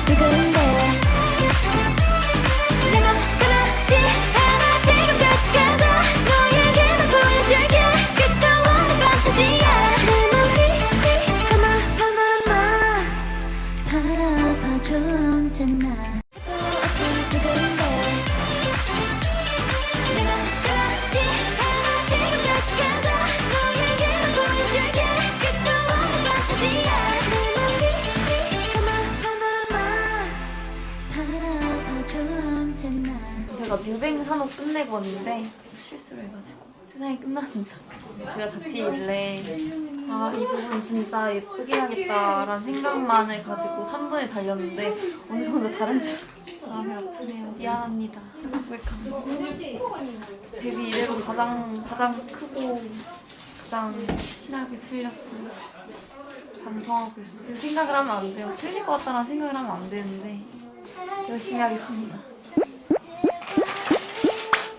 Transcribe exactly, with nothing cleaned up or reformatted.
두근데 내맘 떠나지 않아 지금까지 가자 너에게만 보여줄게 끝도 없는 판타지야 내 맘 휘휘 감아 파노라마 바라봐줘 언제나 또다시 두근데 내맘 떠나지 않아 지금까지 가자 너에게만 보여줄게 끝도 없는 판타지야 내 맘 휘휘 감아 파노라마 바라봐줘 언제나 제가 뮤뱅 산업 끝내고 왔는데 실수를 해가지고 세상이 끝나는 줄 제가 잡히길래 아 이 부분 진짜 예쁘게 해야겠다라는 생각만을 가지고 삼 분에 달렸는데 어느 정도 다른 줄 마음이 아프네요. 미안합니다. 고백합니다. 데뷔 이래로 가장 가장 크고 가장 티나게 틀렸어요. 반성하고 있어요. 생각을 하면 안 돼요. 틀릴 것 같다는 생각을 하면 안 되는데 열심히 하겠습니다.